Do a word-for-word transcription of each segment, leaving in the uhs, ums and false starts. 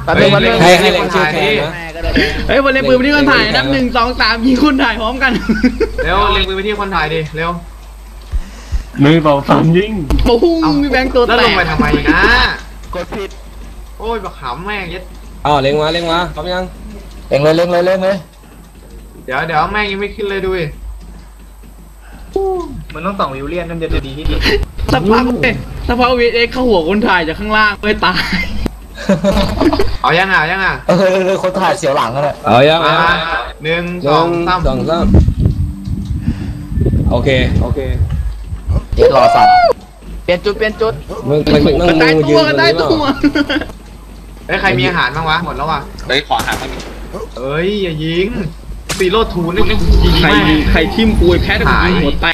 แป๊บนึงแป๊บนึงให้ให้เล่นชื่อแคนนะเฮ้ยวันเล่นปืนไปที่คนถ่ายนับหนึ่งสองสามยิงคนถ่ายพร้อมกันเร็วเล็งปืนไปที่คนถ่ายดิเร็วหนึ่งสองสามยิงปุ้งมีแบงค์ตัวแล้วแตลงกไปทำไมนะกดผิดโอ้ยบักขำแม่งยัดอ๋อเล็งมาเล็งมาพร้อมยังเล็งเลยเล็งเลยเล็งเลยเดี๋ยวเดี๋ยวแม่งยังไม่ขึ้นเลยดูดิมันต้องส่องวิวเลียนนั่นจะดีที่สุดสักพักเลยสักพักวีเอ็กเข้าหัวคนถ่ายจากข้างล่างไม่ตายเอายังอ่ะยังอ่ะเออเออคนถ่ายเสียวหลังกันเลยเอายังมาเอาหนึ่งหสองนึ่งสามสองสามโอเคโอเคเดี๋ยวรอสับเปลี่ยนจุดเปลี่ยนจุดมึงมึงมึงกระมึต่ายงยืตัวน กระต่ายตรงตันี้วเฮ้ยใครมีอาหารบ้างวะหมดแล้ววะเฮ้ยขอหาบ้างดิเอ้ยอย่ายิงซีโร่ทูนี่ยิงใครแม่งใครทิ่มปุยแพ้แต่กูยิงหัวแตก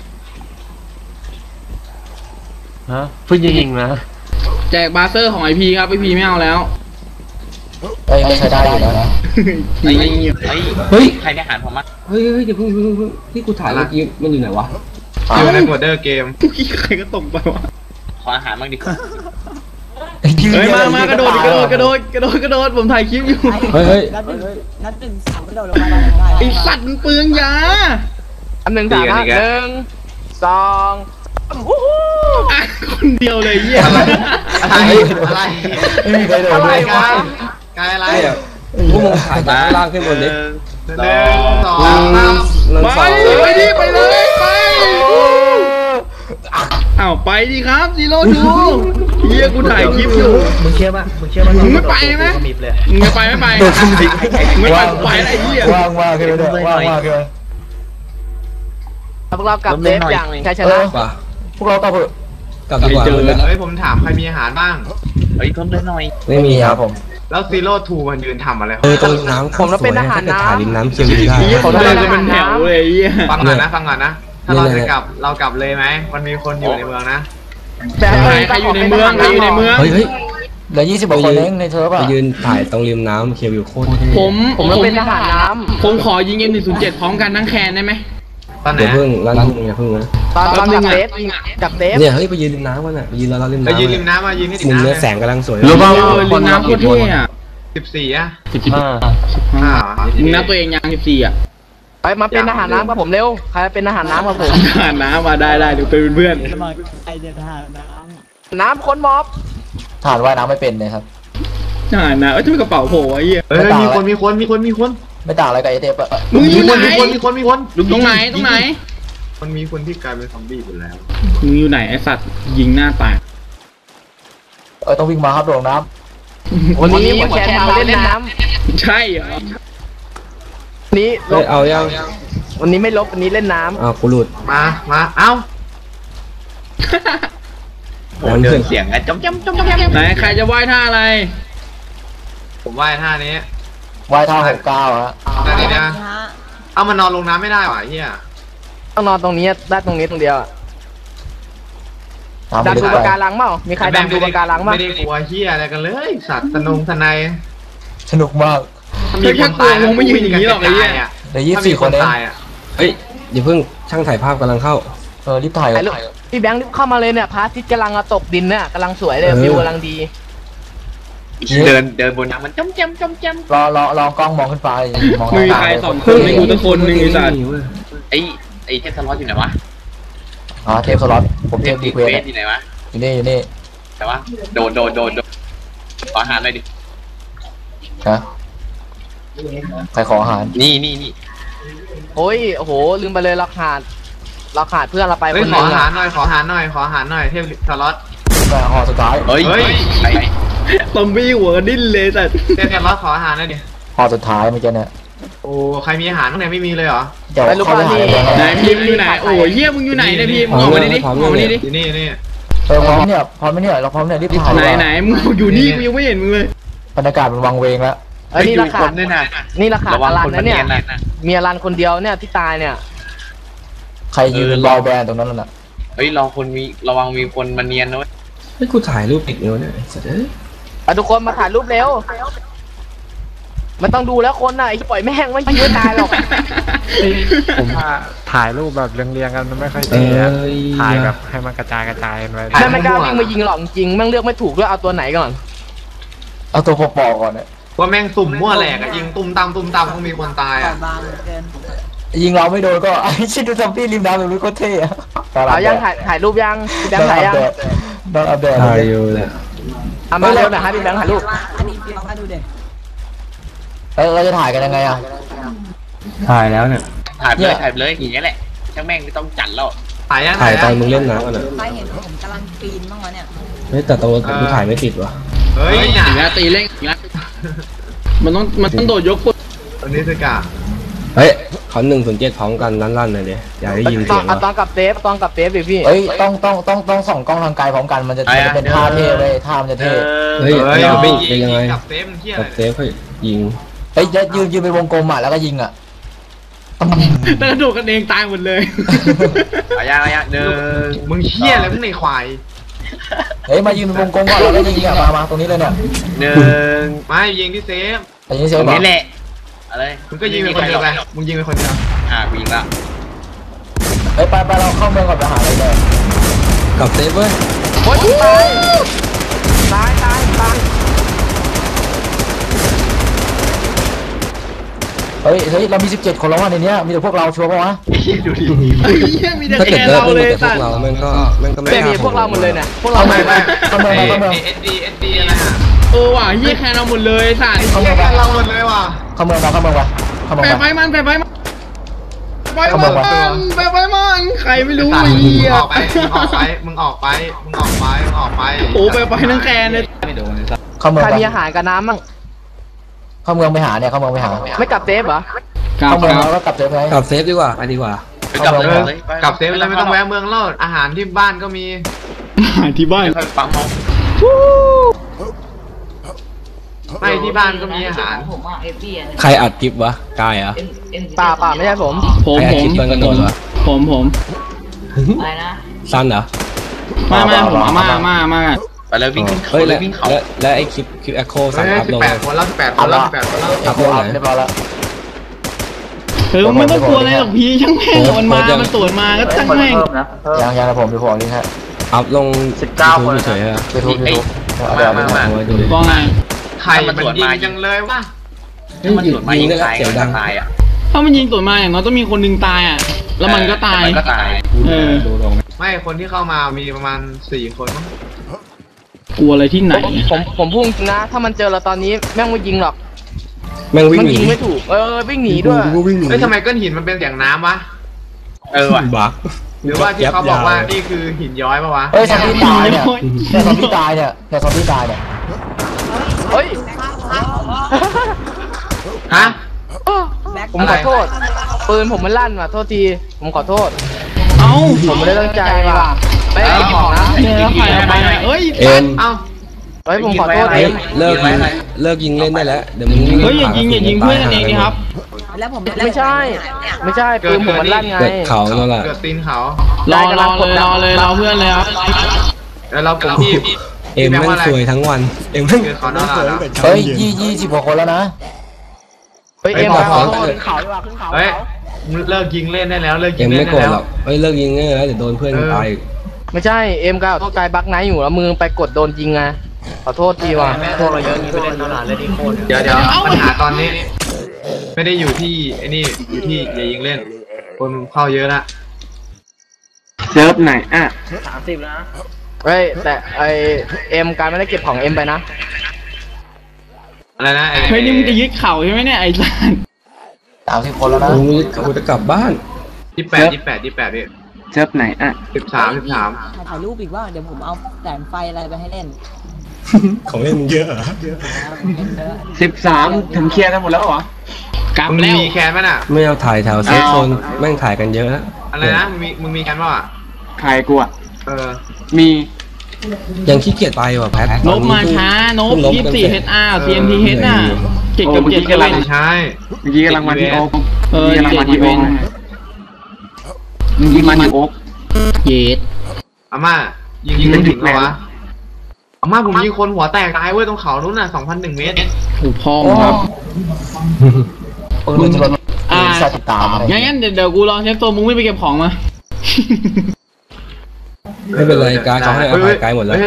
ฮะเพิ่งยิงนะแจกบาเซอร์ของไอพีครับไอพีไม่เอาแล้วเอ้ยก็ใช้ได้อยู่แล้วนะทีไม่เงียบเฮ้ยเฮ้ยใครได้อาหารผมมั้ยเฮ้ยเฮ้ยเดี๋ยวเพิ่งเพิ่งเพิ่งที่กูถ่ายเมื่อกี้มันอยู่ไหนวะอยู่ในโหมดเดอร์เกมเมื่อกี้ใครก็ตกไปวะขออาหารบ้างดิเฮ้ยมามากระโดดกระโดดกระโดดกระโดดกระโดดผมถ่ายคลิปอยู่เฮ้ยเฮ้ยนัดหนึ่งนัดหนึ่งสามกระโดดลงมาได้ได้ไอสัตว์มันเปลืองยาอันหนึ่งสามนะหนึ่งสองวู้ฮู้อ่ะคนเดียวเลยเยี่ยอะไรอะไรไม่มีใครโดนอะไรเลยกายกายอะไรพวกมึงถ่ายจากข้างล่างขึ้นบนดิหนึ่งสองสามหนึ่งไปสองไปดิไปเลยไปอ้าวไปดิครับซีโร่ดูเฮียกูถ่ายคลิปอยู่มึงเชื่อป่ะมึงเชื่อป่ะมึงไม่ไปไหมมีบเลยมึงไม่ไปไม่ไปมึงไม่ไปกูไปอะไรเฮียว่างว่างขึ้นเลยว่างว่างขึ้นเลยพวกเรากลับเซฟอย่างชัยชนะป่ะพวกเรากลับเถอะกลับดีกว่าเฮ้ยผมถามใครมีอาหารบ้างเฮ้ยเพิ่มเลยหน่อยไม่มีครับผมแล้วซีโร่ทูมันยืนทำอะไรเออตรงน้ำผมเราเป็นทหารน้ำถ่ายริมน้ำเชียงดีได้เฮียเขาเดินกันเป็นแถวเลยเฮียฟังก่อนนะฟังก่อนนะ ถ้าเราจะกลับเรากลับเลยไหมมันมีคนอยู่ในเมืองนะใครใครอยู่ในเมืองใครอยู่ในเมืองเฮ้ยเฮ้ยเหลือยี่สิบกว่าคนเองในเทอร์ฟไปอ่ะยืนถ่ายตรงริมน้ำเคียวิวโคตรผมผมเราเป็นทหารน้ผมขอยิงเอ็มหนึ่งศูนย์เจ็ดพร้อมกันทั้งแคนได้ไหมตอนไหนเดี๋ยวเพิ่งลั่นอย่าเพิ่งนะำตอนตอนกับเซฟกับเซฟเนี่ยเฮ้ยไปยืนริมน้ำกันอ่ะไปยืนรอเราริมไปน้ำยืนริมน้ำมายืนให้ติดมุมน้ำเนื้อแสงกำลังสวยรู้ป่าวเออลินน้ำโคตรเท่อะสิบสี่อะสิบห้าอ่ามึงนับตัวเองยังสิบสี่อ่ะไปมาเป็นทหารน้ำกับผมเร็วใครเป็นทหารน้ำกับผมอ่านน้ำมาได้ได้เดี๋ยวไปเป็นเพื่อนสมัครไอเดียทหารน้น้ำคนม็อบทหารว่ายน้ำไม่เป็นเลยครับอ่านนะเอ้ยทำไมกระเป๋าโผล่ไอ้เหี้ยเฮ้ยมีคนมีคนมีคนมีคนไม่ต่างอะไรกับไอเทปอะมึงอมียู่คไหนนมีคนมีคนมีคนตรงไหนตรงไหนมันมีคนที่กลายเป็นซอมบี้ไปแล้วมึงอยู่ไหนไอสัตว์ยิงหน้าตายเออต้องวิ่งมาครับลงน้ำวันนี้หัวแชร์มาเล่นน้ใช่เหรอำนี้ลเฮ้ยบเอายังวันนี้ไม่ลบวันนี้เล่นน้อ้าวกูหลุดมามาเอ้าโอ้เดินเสียงอะจ้ำจ้ำจ้ำจ้ำจ้ำไหนใครจะว่ายท่าอะไรผมว่ายท่านี้ำว่ายท่าหกเก้าฮะท่านี้นะำฮะเอามันนอนลงน้ำไม่ได้หว่ะเฮียต้องนอนตรงนี้ได้ตรงนี้ตรงเดียวอะดันดูปะการังเปล่ามีใครดันดูปะการังบ้างไม่ได้กลัวเฮียอะไรกันเลย สัตว์สนุงสนายสนุกมากถ้าแค่กลัวคงไม่ยืนอย่างนี้หรอกไอ้เหี้ยเหลือยี่สิบสี่คนเองตายอ่ะเฮ้ยอย่าเพิ่งช่างถ่ายภาพกำลังเข้าเออรีบถ่ายพี่แบงค์รีบเข้ามาเลยเนี่ยพระอาทิตย์กำลังตกดินเนี่ยกำลังสวยเลยเออวิวกำลังดีเดินเดินบนน้ำมันจ้ำจ้ำจ้ำจ้ำรอรอรอกล้องมองขึ้นไปมองมึงมีใครสองคนไม่กูสักคนหนึ่งไอสัตว์ไอ้ไอ้เทพสล็อตอยู่ไหนวะอ๋อเทปสล็อตผมเทปดีเควสเฟสอยู่ไหนวะอยู่นี่อยู่นี่แต่ว่าโดนโดนโดนโดนขออาหารหน่อยดิฮะใครขออาหารนี่นี่นี่โอ้ยโอ้โหลืมไปเลยเราขาดเราขาดเพื่อนเราไปเฮ้คยนขหอนึงอาหาอะรหน่อยขออาหารหน่อยขออาหารหน่อยเทพสล็อตแต่ห่อสุดท้ายเฮ้ยเฮ้ยไอ้ซอมบี้หัวกระดิ้นเลยสัตว์เทพสล็อตขออาหารหน่อยดิห่อสุดท้ายเมื่อกี้เนี่ยโอ้ใครมีอาหารข้างในไม่มีเลยเหรอเดี๋ยวเข้าไปหาเลยไหนพิมพ์อยู่ไหนโอ้ยเหี้ยมึงอยู่ไหนเนี่ยพิมพ์ออกมาดิดิออกมาดิดิอยู่นี่นี่เออพร้อมเนี่ยพร้อมไหมเนี่ยเราพร้อมเนี่ยรีบถ่ายไหนไหนมึงอยู่นี่กูยังไม่เห็นมึงเลยบรรยากาศมันวังเวงแล้วไอ้นี่ราคาด้วยนะนี่ราคาระวัอง ลันคนนะเนี่ยมันเนียนนะมีอลันคนเดียวเนี่ยที่ตายเนี่ย ใครยืนรอแบรนด์ตรงนั้นน่ะเฮ้ยเราคนมีระวังมีคนมาเนียนด้วยเฮ้ยกูถ่ายรูปติดเนื้อเนี่ยสัตว์เอ้ยเอาทุกคนมาถ่ายรูปเร็วมันต้องดูแล้วคนน่ะไอ้ที่ปล่อยแม่งไม่ยืนตายหรอกผมว่าถ่ายรูปแบบเรียงๆกันมันไม่ค่อยเอเท่อะอถ่ายแบบให้มันกระจายกระจายกันไปแม่งไม่กล้าวิ่งมายิงหรอกจริงแม่งเลือกไม่ถูกด้วยเอาตัวไหนก่อน เอาตัวปอกก่อนเนี่ยว่าแม่งสุ่มมั่วแหลกอะยิงตุ้มตามตุ้มตามก็มีคนตายต่ออะบางเหลือเกินยิงเราไม่โดนก็ไอ้ชิดดูซอมบี้ริมน้ำแบบนี้ก็เท่อะเอายังถ่ายถ่ายรูปยังพี่แบงค์ถ่ายยังนอนอัปเดตถ่ายอยู่แหละเอามาเร็วหน่อยให้พี่แบงค์ถ่ายรูปอันนี้พี่ลองมาดูเด็เออเราจะถ่ายกันยังไงอ่ะถ่ายแล้วเนี่ยถ่ายไปเลยถ่ายไปเลยอย่างเงี้ยแหละช่างแม่งไม่ต้องจัดแล้วถ่ายยังถ่ายตอนยังมึงเล่นน้ำกันอ่ะใครเห็นผมกำลังปีนบ้างวะเนี่ยเฮ้ยแต่ตัวกูถ่ายไม่ติดว่ะเฮ้ยอีน่ะกแล้วตีเล่งอีกแล้วมันต้องมันต้องโดดยกปุ๊บตัวนี้คือกะเฮ้ยเขาหนึ่งศูนย์เจ็ดพร้อมกันลั่นๆเลยดิอยากได้ยินตเสีอย นงเอาตอว่ะนกับเซฟตอนกับเซฟดิพี่เฮ้ยต้องต้องต้องต้องส่องกล้องทางไกลพร้อมกันมันจะมันจะเป็นท่าเท่เลยท่ามันจะเท่เฮ้ยเฮ้ยเอายิวิ่งเป็นยังไงกับเซฟมันเที่ยกับอะไรเซฟเขายิงเฮ้ยยืนยืนเป็นวงกลมอ่ะแล้วก็ยิงอ่ะแต่กระโดดกันเองตายหมดเลยเอายังเอายังหนึ่งมึงเที่ยอะไรมึงในควายเฮ้ยมายืนเป็นวงกลมก่อนแล้วก็ยิงอ่ะมามาตรงนี้เลยเนี่ยหนึ่งไม่ยิงที่เซฟแต่ยิงเซตฟรงก่อนนี้แหละอะไรมึงก็ยิงเป็นคนเดียวไปมึงยิงเป็นคนเดียวอ่ากูยิงละเฮ้ยไปไปเราเข้าเมืองก่อนไปหาอะไรเลยกับเซฟเว้ยโอ๊ยตายตายตายตายเฮ้ยเฮ้ยเรามีสิบเจ็ดคนแล้วว่ะในเนี้ยมีแต่พวกเราชัวร์ป่ะวะดูดิไอ้เหี้ยมีแต่ถ้าแกเกิดเลิกเราเล่นเลยแต่พวสักตว์เราแม่งก็แม่งก็ไม่เบกล้าบีพวกเราหมดเลยเนี่ยพวกเราเข้าหมเมืองดเข้าเมืองเข้าเมืองเอสดีเอสดีอะไรอ่ะเออว่ะเหี้ยแคนเราหมดเลยสัตว์เข้าเที่เมืยองกันเราหมดเลยว่ะเข้าเมืองไปเข้าเมืองไปเข้าเมืองแปะไปไฟมันแปะไฟมันแปะไฟเข้ามัเมืองวะนแปะไฟมันใครไม่รู้ไอ้ไอ้สัตว์เหี้ยมึงออกไปมึงออกไปมึงออกไปมึงออกไปมึงออกไปโอ้แปะไฟทั้งแคนเลยเข้าเมืองใครไปมีอาหารกับน้ำมั่งเข้าเมืองไปหาเนี่ยเข้าเมืองไปหาไม่กับเซฟเหรอครับเข้าเมืองครับแล้วก็กลับเซฟไงกับเซฟดีกว่าไปดีกว่าไปกลับเลยเออเลยไปกลับเซฟเลยไม่ต้องแวะเมืองแล้วอาหารที่บ้านก็มีหาที่บ้านค่อยปั๊มเอาไม่ที่บ้านก็มีอาหารใครอัดคลิปวะกายเหรอ่ะป่าป่าไม่ใช่ผมผมใครอัดผคลิมปตอนกระโดดวะผมผมสั้นเหรอมามาผมมามามาไปเลยวิ่งขึ้นเขาเฮ้ยเลแล้ยว วิ่งเขาแล้วแล้วไอ้คลิปคลิปแอคโคสั่งเฮ้ยอัพสิลบงแปดคนแล้วสิบแปดคนแล้วสิบแปดคนแล้วอัพลงไหนเรียบร้อยแล้วเออไม่ต้องกลัวอะไรหรอกพี่ช่างแม่งมันมามันตรวจมาก็ช่างแม่งยังยังนะผมดูผมลิงก์ฮะอัพลงสิบเก้าคนเฉยๆอะยูทูบยูทูบเอาเดี๋ยวมาเอามาเอาไว้ดูดิว่าไงใครมันยิงจังเลยวะเฮ้ยมันสวนมายิยิงงได้แล้วตายเสียงดังตายอ่ะถ้ามันยิงตรวจมาอย่างน้อยต้องมีคนหนึ่งตายอ่ะ แล้วมันก็ตายมันก็ตายเออดูลงไม่คนที่เข้ามามีประมาณสี่คนมั้งกลัวอะไรที่ไหนผมผมพูดจริงนะ ถ้ามันเจอเราตอนนี้แม่งไม่ยิงหรอกแม่งวิ่งมันหนียิงไม่ถูก เออวิ่งหนีด้วยกูก็วิ่งหนีเฮ้ยทำไมก้อนหินมันเป็นเสียงน้ำวะเออว่ะบักหรือว่าที่เขาบอกว่านี่คือหินย้อยปะวะเฮ้ยซอมบี้ตายเนี่ยเนี่ยซอมบี้ตายเนี่ยเนี่ยซอมบี้ตายเนี่ยเฮ้ยฮะผมขอโทษ ปืนผมมันลั่นว่ะ โทษที ผมขอโทษเอ้าผมไม่ได้ตั้งใจว่ะไม่ได้เก็บของนะเนี่ยแล้วใครเอาไปไหนเอ้ยเอ็มเอ้าเฮ้ยผมขอโทษเฮ้เอย งเลิกยิงเลิกยิงเล่นได้แล้วเดี๋ยวมึงวิ่งเฮ้ยอย่ายิงอย่ายิงเพื่อนกันเองดิครับแล้วผมไม่ใช่ ไม่ใช่ ปืนผมมันลั่นไงเกิดเขาแล้วล่ะเกิดตีนเขารอรอเลยรอเลยรอเพื่อนเลยครับแล้วเราผมที่เอ็มแม่งสวยทั้งวันเอ็มแม่งคือเขาหน้าเราเฮ้ยยี่ยี่สิบกว่าคนแล้วนะเฮ้ยเฮ้เอ็ยมบอกขอเขาโทษขึ้นเขาดีกว่าขึ้นเขาเฮ้ยเลิกยิงเล่นได้แล้วเลิกยิเอ็งมเล่ไม่นโกรได้ธแล้หรวอกเฮ้ยเลิกยิงง่ายแล้วเดี๋ยวโดนเพื่อนตายอีกไม่ใช่ เอ็มกับกายบักไนท์อยู่แล้วมือไปกดโดนยิงไง ขอโทษทีว่ะพวกเราเยอะนี้ไปเล่นตลาดเล่นอีโคเดี๋ยวเดี๋ยวปัญหาตอนนี้ ไม่ได้อยู่ที่ไอ้นี่อยู่ที่อย่ายิงเล่น คนเข้าเยอะละเซิร์ฟไหนอ่ะเฮ้ยแต่ไอเอ็มการไม่ได้เก็บของเอ็มไปนะอะไรนะไอ้เฮ้ยนี่มึงจะยึดเข่าใช่ไหมเนี่ยไอ้สัสสามสิบคนแล้วนะกูกูจะกลับบ้านยี่แปดยี่แปดยี่แปดพี่เซิร์ฟไหนอ่ะสิบสามสิบสามถ่ายรูปอีกว่าเดี๋ยวผมเอาแสงไฟอะไรไปให้เล่นของเล่นมึงเยอะเหรอสิบสามถึงเคลียร์กันหมดแล้วเหรอกลับมึงแล้วมีแคนไหมน่ะไม่เอาถ่ายแถวเซฟโซนแม่งถ่ายกันเยอะแล้วอะไรนะมึงมีมึงมีแคนเปล่าอ่ะใครกูอ่ะเออมียังขี้เกียจไปว่ะแพทนบมาช้านบยี่สิบสี่เฮดอาร์ซีเอ็มทีเฮดน่ะเจ็ดกับเจ็ดกันเลยใช่เมื่อกี้กำลังมาที่โอ๊กเออเมื่อกี้กำลังมาที่โอ๊กเจ็ดเมื่อกี้มาที่โอ๊กเย็ดอาม่ายิงยิงไม่ถึงเหรอวะอาม่าผมยิงคนหัวแตกตายเว้ยตรงเขานู้นน่ะสองพันหนึ่งเมตรถูกพ้องครับปืนมันจะลดอ่าสติดตามอะไรงั้นงั้นเดี๋ยวเดี๋ยวกูรอเชฟตัวมึงไม่ไปเก็บของมาไม่เป็นไรกายเขาให้อภัยกายหมดแล้วเฮ้ย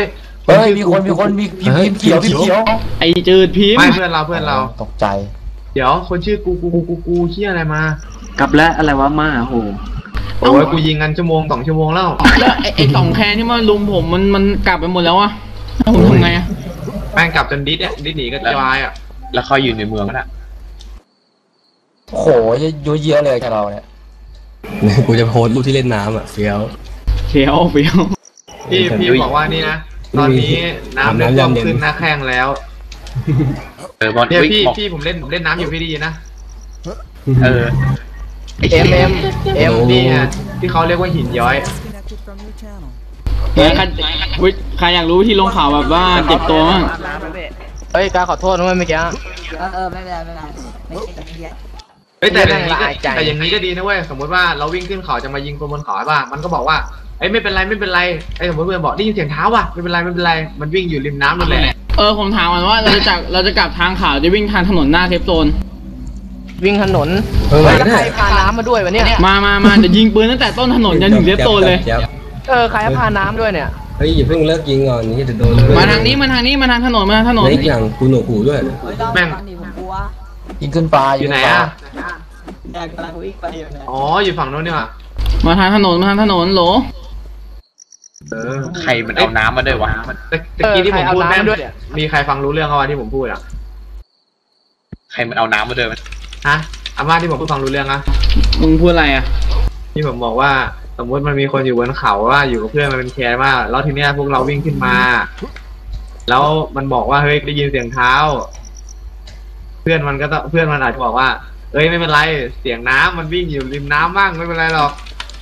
เฮ้ยมีคนมีคนมีพิมพ์พิมพ์เขียวพิมพ์เขียวไอจืดพิมพ์ไม่เพื่อนเราเพื่อนเราตกใจเดี๋ยวคนชื่อกูกูกูกูกูเชี่ยอะไรมากลับแล้วอะไรวะมาโหโอ้ยกูยิงกันชั่วโมงสองชั่วโมงแล้วแล้วไอไอสองแคนที่มาลุมผมมันมันกลับไปหมดแล้วอะแล้วผมทำไงอะแม่งกลับจนดิสเนี่ยดิสหนีก็จายอ่ะแล้วเขาอยู่ในเมืองแล้วโอ้โหเยอะเยอะเลยกับเราเนี่ยกูจะโพสต์รูปที่เล่นน้ำอ่ะเฟี้ยวเฟี้ยวเฟี้ยวพี่พี่บอกว่านี่นะตอนนี้น้ำเริ่มท่วมขึ้นหน้าแข้งแล้วเออบอลเนี่ยวิ่งพี่บอกพี่ผมเล่นผมเล่นน้ำอยู่พี่ดีนะเออเอ็มเอ็มเอ็มนี่ไงที่เขาเรียกว่าหินย้อยใครใครใครอยากรู้วิธีลงข่าวแบบว่าเจ็บตัวมั้งเฮ้ยการขอโทษนะเมื่อกี้เออเออไม่เป็นไรไม่เป็นไรไม่ใช่ไม่ใช่เฮ้ยแต่อย่างนี้ก็ละอายใจแต่อย่างนี้ก็ดีนะเว้ยสมมติว่าเราวิ่งขึ้นเขาจะมายิงคนบนเขาป่ะมันก็บอกว่าไอ้ไม่เป็นไรไม่เป็นไรไอ้สมมติเพื่อนบอกได้ยินเสียงเท้าว่ะไม่เป็นไรไม่เป็นไรมันวิ่งอยู่ริมน้ำนั่นแหละเออผมถามก่อนว่าเราจะจากเราจะกลับทางข่าวจะวิ่งทางถนนหน้าเซฟโซนวิ่งถนนเออเฮ้ยแล้วใครพาน้ำมาด้วยวะเนี่ยมามามาเดี๋ยวยิงปืนตั้งแต่ต้นถนนจนถึงเซฟโซนเลยเออใครพาน้ำด้วยเนี่ยเฮ้ยอย่าเพิ่งเลิกยิงก่อนนี่จะโดนมาทางนี้มาทางนี้มาทางถนนมาทางถนนและอีกอย่างกูหนวกหูด้วยเฮ้ยต้องแม่งฟังดิผมกลัวยิงขึ้นฟ้าอยู่ไหนอ่ะอยากกำลังวิ่งไปอยู่เนี่ยอ๋ออยู่ฝั่งโน้นนี่หว่ามาทางถนนมาทางถนนโหลเออใครมันเอาน้ำมาด้วยวะแต่ตะกี้ที่ผมพูดเออใครเอาแม่งน้ำด้วยเนี่ยมีใครฟังรู้เรื่องเขาว่าที่ผมพูดอ่ะใครมันเอาน้ำมาด้วยมันฮะอาม่าที่ผมพูดฟังรู้เรื่องอะมึงพูดอะไรอ่ะที่ผมบอกว่าสมมติมันมีคนอยู่บนเขาว่าอยู่กับเพื่อนมันเป็นแคร์มากแล้วทีเนี้ยพวกเราวิ่งขึ้นมา แล้วมันบอกว่าเฮ้ยได้ยินเสียงเท้า เพื่อนมันก็ต้องเพื่อนมันอาจจะบอกว่าเอ้ยไม่เป็นไรเสียงน้ำมันวิ่งอยู่ริมน้ำมั่งไม่เป็นไรหรอก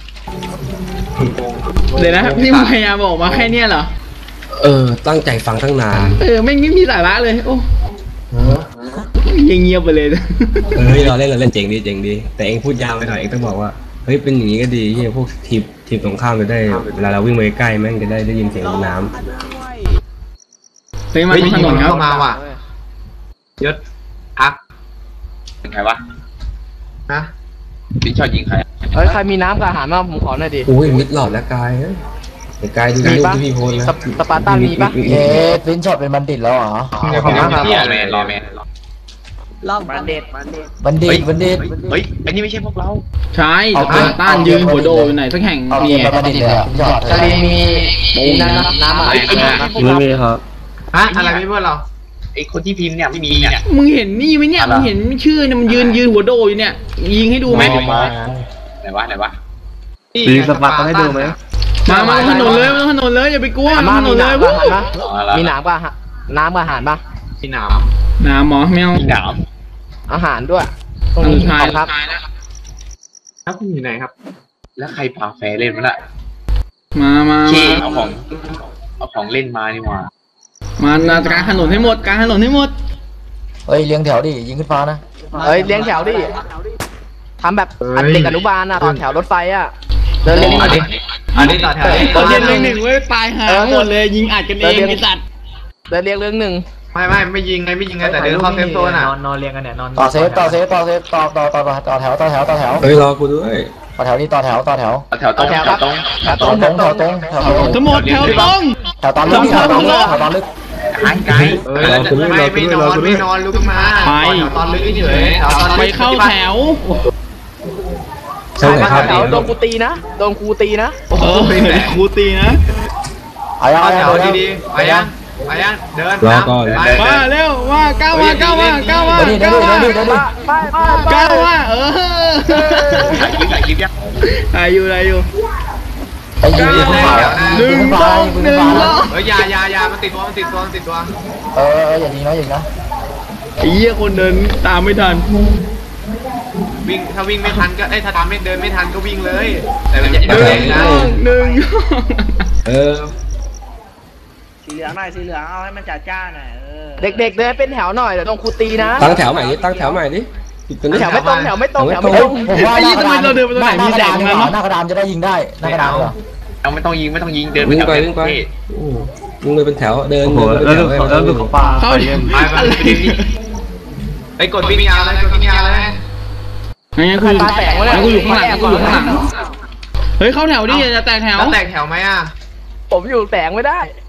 เดี๋ยวนะนี่มึงพยายามบอกมาแค่เนี้ยเหรอเออตั้งใจฟังตั้งนานเออไม่ไม่มีสาระเลยโอ้ยังเงียบไปเลยเฮ้ยเราเล่นเราเล่นเจ๋งดีเจ๋งดีแต่เองพูดยาวไปหน่อยเองต้องบอกว่าเฮ้ยเป็นอย่างนี้ก็ดีที่พวกทีมทีมตรงข้ามจะได้เวลาเราวิ่งไปใกล้แม่งจะได้ได้ยินเสียงน้ำเฮ้ยมาเฮ้ยทางถนนครับเข้ามาว่ะยศพักเป็นใครวะนะพี่ชอบยิงใครเฮ้ยใครมีน้ำกับอาหารมาผมขอหน่อยดิโอ้ยมิดหลอดแล้วกายเฮ้ยไอ้กายดูมีรูปปะที่พี่โพสต์นะสปสปาร์ตันมีปะเอ๊ะฟินช็อตเป็นบัณฑิตแล้วเหรอขอบคุณมากครับรอแมนรอแมนรอบบันเด็ดบัณฑิตบัณฑิตเฮ้ยอันนี้ไม่ใช่พวกเราใช่สปาร์ต้านยืนหัวโดอยู่ไหนสักแห่งเอามีเกมไปบัณฑิตเลยฟินช็อตชาลีมีมีน้ำน้ำอะไรไม่มีครับฮะอะไรไม่เพื่อนเราไอคนที่พิมพ์เนี่ยไม่มีเนี่ยมึงเห็นนี่ไหมเนี่ยมึงเห็นชื่อเนี่ยมันยืนยืนหัวโดอยู่เนี่ยยิงให้ดูไหมไหนวะไหนวะมีสปาร์ตันให้ดูไหมมามาถนนเลยมาถนนเลยอย่าไปกลัวอามาม่าถนมีนเลยน้ำกับวู้อาหารปะมีน้ำกับอาหารน้ำกับอาหารปะที่หนาวน้ำหมอแมวมีหนามอาหารด้วยตรงอันนี้สุดท้ายขอบครับแล้วคุณอยู่ไหนครับแล้วใครพาแฟเล่นมันอะมามาขี้มาเอาของเอาของเล่นมานี่หว่ามานาการถนนให้หมดการถนนให้หมดเฮ้ยเลี้ยงแถวดิยิงขึ้นฟ้านะเอ้ยเลี้ยงแถวดิทำแบบอันเด็กอนุบาลอ่ะตอนแถวรถไฟอ่ะเดินเรียงอันนี้อันนี้ต่อแถวตอนเย็นหนึ่งหนึ่งเว้ยตายหาหมดเลยยิงอัดกันเองไอ้สัตว์เดินเรียงเรื่องหนึ่งไม่ไม่ไม่ยิงไงไม่ยิงไงแต่เดินเข้าเซฟโซนอ่ะต่อเซฟต่อเซฟต่อเซฟต่อต่อต่อต่อแถวต่อแถวต่อแถวเฮ้ยรอกูด้วยต่อแถวนี่ต่อแถวต่อแถวเอาแถวตรงแถวตรงแถวแถตรวงตรงแถวตรงแถวตรงทั้งหมดแถวตรงแถวตอนลึกแถวตอนลึกแถวตอนลึกไกลไกลเออแล้วจะไม่ไม่นอนไม่นอนลุกขึ้นมาตอนลึกเฉยแถวตอนลึกไปเข้าแถวใช่ไหมครับแถวโดนกูตีนะโดนครูตีนะเออครูตีนะเอายังเข้าเอาแถยังวเอายังดีๆไปยังไปยังเดินรอก่อนไปมาเร็วมาก้าวมาก้าวมาก้าวมาเดี๋ยวดิเดี๋ยวก้าวดิมาเดี๋ยวดิเดี๋ยวดิก้าวมาเออถ่ายคลิปถ่ายคลิปยังอายุอายุไปยิงขึ้นฟ้าหนึ่งขึ้นสฟ้าองยิงหขึ้นึ่นงฟ้าสองเฮ้ยยายายามันติดตัวมันติดตัวมันติดตัวเออเอออย่ายิงนะอย่ายิงนะไอ้เหี้ยคนเดินตามไม่ทันวิ่งถ้าวิ่งไม่ทันก็เอ้ยถ้าทำไม่เดินไม่ทันก็วิ่งเลย แต่อย่าอย่าหแรนึ่งงนะหนึ่งเออสีเหลืองหน่อยสีเหลืองเอาให้มันจัดจ้านหน่อยเออเด็กๆเดินเป็นแถวหน่อยเดี๋ยวโดนครูตีนะตั้งแถวใหม่ดิตั้งแถวใหม่ดิตัวนี้แถวไม่ตรงแถวไม่ตรงแถวไม่ตเฮ้รยงผมว่าหน้ากระดานหน้ากระดานดีกว่าหน้ากระดานจะได้ยิงได้หน้ากระดานเหรอเอาไม่ต้องยิงไม่ต้องยิงเดินวิ่งแถวไปเดิวิ่นงไปเท่วิ่งไปเป็นแถวเดินโอ้โหเดินแล้วเป็นดูแถวแล้วดูปลาเข้าไปเดี๋ยวไปไปไอ้กดวิ่งยาวเลยกดวิ่งยาวเลยงั้นกูงั้นกูอยู่ข้างหลังกูอยู่ข้างหลังเฮ้ยเข้าแถวดิอย่าแตกแถวแล้วแตกแถวไหมอ่ะผมอยู่แสงไม่ได้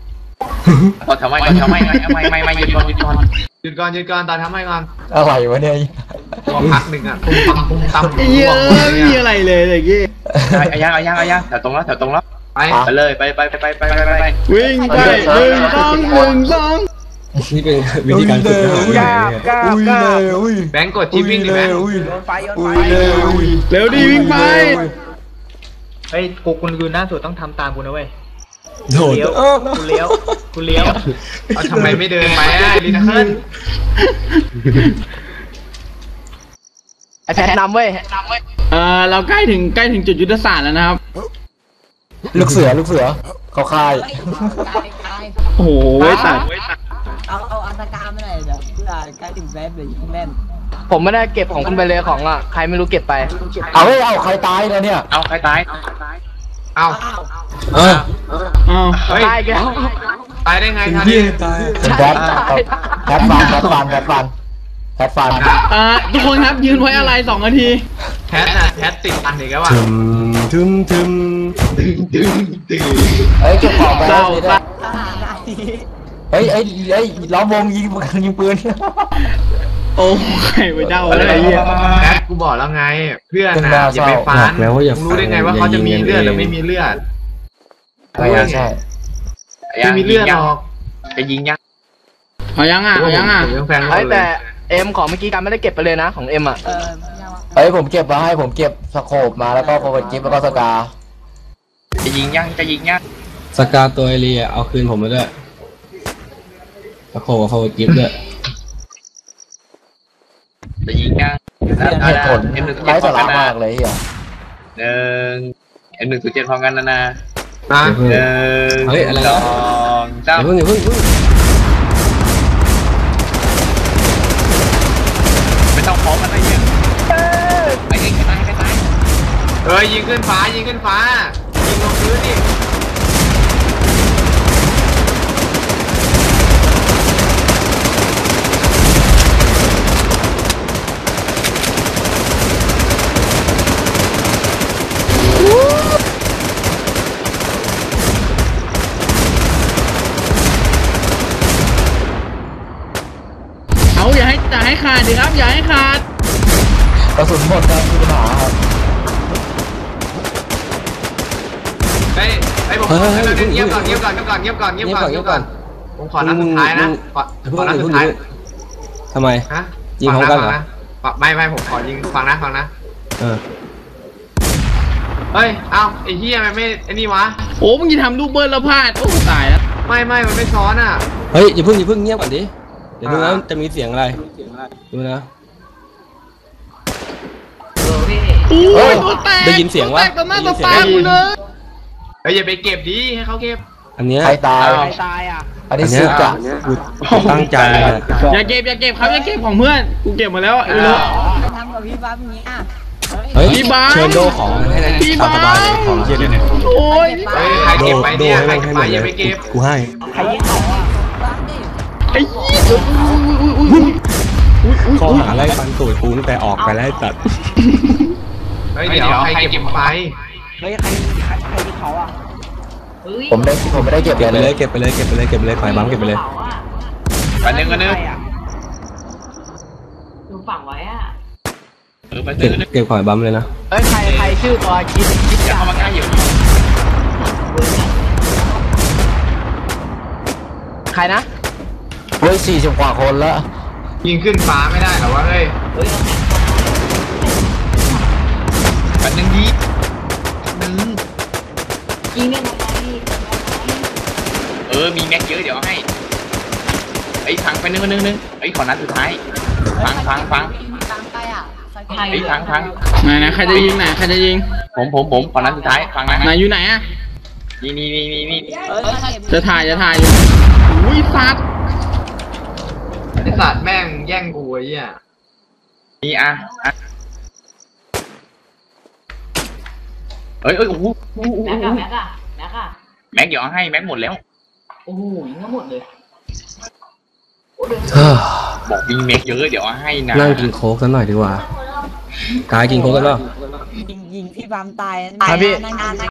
ต่อทำไมต่อทำไมไม่ไม่ไม่หยุดก่อนหยุดก่อนหยุดก่อนหยุดก่อนตอนทำให้ก่อนอะไรวะเนี่ยพอพักหนึ่งอ่ะตุ้มตั้มตุ้มตั้มไอ้เหี้ยไม่มีอะไรเลยเลยกี้เอายังเอายังเอายังแถวตรงแล้วแถวตรงแล้วไปไปเลยไปไปไปไปไปไปไปวิ่งไปหนึ่งสองหนึ่งสองนี่เป็นวิธีการฝึกทหารกล้าบกล้าบกล้าบอุ้ยแบงก์กดชิปวิ่งดิแบงก์โยนไฟโยนไฟเร็วดีวิ่งไปเฮ้ยกูคุณยืนหน้าสุดต้องทำตามกูนะเว้ยโดดเลี้ยวกูเลี้ยวกูเลี้ยวเอาทำไมไม่เดินไปอ่ะลินาเคิลไอแพทนำเว้ยเออเราใกล้ถึงใกล้ถึงจุดยุทธศาสตร์แล้วนะครับลูกเสือลูกเสือเขาคายกายกายโอ้โหสัตว์เอาเอาอันตรการไม่ได้เดี๋ยวเพื่อใกล้ถึงแม่เลยยิงแม่นผมไม่ได้เก็บของคุณไปเลยของอ่ะใครไม่รู้เก็บไปเอาเฮ้ยเอาใครตายแล้วเนี่ยเอาใครตายเอาเอออ้าวเฮ้ยตายอีกแล้วตายได้ไงทันเยี่ทียตายแพทแพทฟันแพทฟันแพทฟันแพทฟันอ่าทุกคนครับยืนไว้อะไรสองนาทีแพทน่ะแพทติดอันอีกแล้วอ่ะทึมทึมทึมเฮ้ยเก็บของไปเศร้าเลยเฮ้ยเฮ้ยเฮ้ยล้อมวงยิงยิงปืนโอ้ใครไปเจ้าอะไรเงี้ยแพทกูบอกแล้วไง เพื่อนน่ะอย่าไปฟันรู้ได้ไงว่าเขาจะมีเลือดหรือไม่มีเลือดใช่ใช่ไม่มีเลือดหรอกจะยิงยังเอายังอ่ะเอายังอ่ะผมยังแฟนไอ้เขาเลแต่ยเอ็มของเมื่อกี้การไม่ได้เก็บไปเลยนะของเอ็มอ่ะเออไม่ยากว่ะเฮ้ยผมเก็บมาให้ผมเก็บสโคปมาแล้วก็โฟร์จิปแล้วก็สกาจะยิงยังจะยิงยังสกาตัวเอเรียเอาคืนผมมาด้วยตะโขกับโฟร์กิฟต์ด้วยจะยิงยังเหตุผลไร้สาระมากเลยเฮียหนึ่งเอ็มหนึ่งศูนย์เจ็ดพร้อมกันนะนะนะเพิ่งหนึ่งเฮ้ยอะไรสนะองสามอย่าเพิ่งอย่าเพิ่งอย่าเพิ่งไม่ต้องพร้อมกันได้เยอะไอ้ใครตายใครตายเอ้ยยิงขึ้นฟ้ายิงขึ้นฟ้ายิงลงพื้นดิเอาอย่าให้อย่าให้ขาดดิครับอย่าให้ขาดกระสุนหมดครับมีปัญหาครับเฮ้ยเฮ้ยผมขอเงียบก่อนเงียบก่อนเงียบก่อนเงียบก่อนเงียบก่อนเงียบก่อนผมขอนัดสุดท้ายนะขอขอนัดสุดท้ายทำไมฮะยิงพร้อมกันเหรอไม่ไม่ผมขอยิงฟังนะฟังนะเออเฮ้ยเอ้าไอ้เฮียมันไม่ไอ้นี่วะโอ้มึงจะทำลูกเบิร์ดแล้วพลาดโอ้ตายแล้วไม่ไม่มันไม่ซ้อนอ่ะเฮ้ยอย่าเพิ่งอย่าเพิ่งเงียบก่อนดิเดี๋ยวดูนะอ่าจะมีเสียงอะไรดูนะโอ้ยตัวแตกได้ยินเสียงวะตัวแตกต่อหน้าได้ยิต่อนเสียงตากูเลยเฮ้ยอย่าไปเก็บดิให้เขาเก็บอันเนี้ยใครตายเอาใครตายอ่ะอันนี้อันเนี้สุยดจะกูตั้งใจอะอย่าเก็บอย่าเก็บครับอย่าเก็บของเพื่อนกูเก็บมาแล้วไอ้โลไปทำกับพี่บ้าพี่นี้อ่ะเฮ้ยพี่บาสเชิญโดของให้ได้พี่ตามสบายเลยบาสของเชียร์เนี่ยโอ้ยเฮ้ยใครโดเก็บไปโดเนี่ยให้ใครมันเก็บให้หมดเลไปอย่าย ไปเก็บกูให้ใครยิงเขาอ่ะบ้าดิไอ้ยี่อุ้ยอุ้ยอุ้ยอุ้ยอุ้ยข้อหาไล่ฟันตูดกูตั้งแต่ออกไปแล้วไอ้สัตว์เฮ้ยเดี๋ยวใครเก็บไปเฮ้ยใครใครใครยิงเขาอ่ะผมได้ผมไม่ได้เก็บเก็บไปเลเลย ยเก็บไปเลยเก็บไปเลยเก็บไปเลยฝ่ายบังเก็บไปเลยไปหนึ่งกันหนึ่งใครอ่ะเออไปหเก็นึ่บงเก็บฝ่ายบัมเลยนะเอ้ยใครใครชื่อตัวคิดคิดอย่าจัเข้ามาใกล้อยู่ใครนะเฮ้ยสี่สิบกว่าคนแล้วยิงขึ้นฟ้าไม่ได้เหรอวะเฮ้ยไปหนึ่งดี เออ มีแม็กเยอะเดี๋ยวให้ไอ้พังไปนึงนึงนึงไอ้ขอนัดสุดท้ายพังพังพังตามไปอ่ะใส่ไปไอ้พังพังไหนนะใครจะยิงไหนใครจะยิงผมผมผมขอนัดสุดท้ายฟังนะไหนอยู่ไหนอะนี่นี่นี่นี่นี่เออใส่จะถ่ายจะถ่ายอยู่อุ้ยสัตว์ไอสัตว์แม่งแย่งกูไอ้เหี้ยนี่อ่ะอ่ะเอ้ยเอ้ยโอ้โหแม็กอะแม็กอะแม็กอะแม็กเดี๋ยวเอาให้แม็กหมดแล้วเฮ้ยบอกมีแม็กเยอะเดี๋ยวเอาให้นะนั่งกินโค้กสักหน่อยดีกว่ากายกินโค้กกันเปล่ายิงยิงพี่บามตายครับพี่นั่งนั่ง